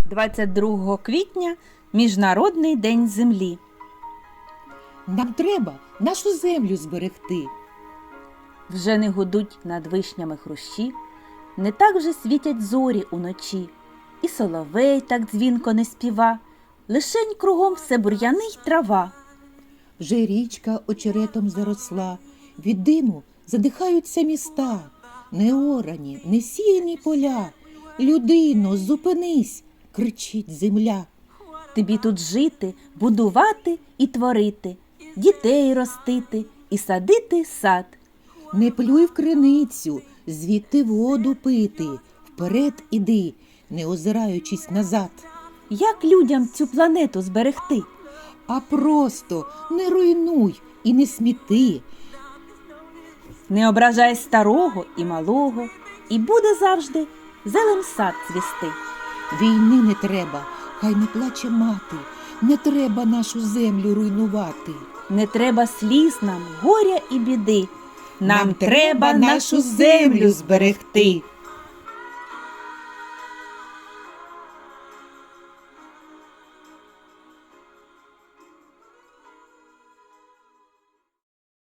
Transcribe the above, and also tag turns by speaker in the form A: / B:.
A: 22 квітня – Міжнародний день землі.
B: Нам треба нашу землю зберегти.
A: Вже не гудуть над вишнями хрущі, не так вже світять зорі уночі, і соловей так дзвінко не співа, лишень кругом все бур'яни й трава.
B: Вже річка очеретом заросла, від диму задихаються міста, неорані, не сіяні поля. Людино, зупинись, кричить земля.
A: Тобі тут жити, будувати і творити, дітей ростити і садити сад.
B: Не плюй в криницю, звідти воду пити, вперед іди, не озираючись назад.
A: Як людям цю планету зберегти?
B: А просто не руйнуй і не сміти.
A: Не ображай старого і малого, і буде завжди зелен сад цвісти.
B: Війни не треба, хай не плаче мати, не треба нашу землю руйнувати.
A: Не треба сліз нам, горя і біди.
B: Нам треба нашу землю зберегти.